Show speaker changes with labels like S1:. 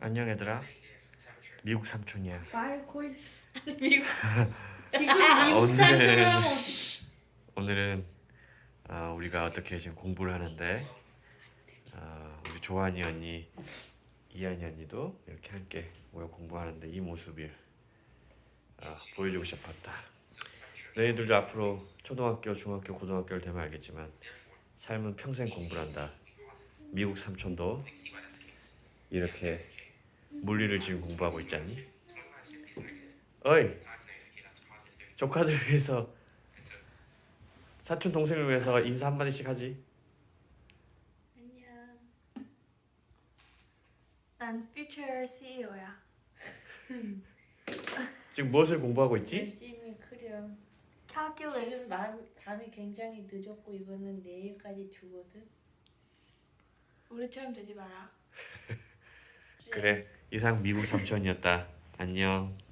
S1: 안녕 얘들아. 미국 삼촌이야.
S2: 미국 지금
S1: 오늘은 우리가 어떻게 지금 공부를 하는데 우리 조한이 언니, 이한이 언니도 이렇게 함께 모여 공부하는데 이 모습을 보여주고 싶었다. 너희들도 앞으로 초등학교, 중학교, 고등학교를 되면 알겠지만 삶은 평생 공부를 한다. 미국 삼촌도 이렇게 물리를 지금 공부하고 있잖니? 어이! 조카들 위해서, 사촌 동생을 위해서 인사 한마디씩 하지.
S2: 안녕. 난 future CEO야.
S1: 지금 무엇을 공부하고 있지?
S3: 열심히 그려.
S2: Calculus.
S3: 지금 밤이 굉장히 늦었고 이거는 내일까지 주거든.
S2: 우리처럼 되지 마라.
S1: 그래, 이상 미국 삼촌이었다. 안녕.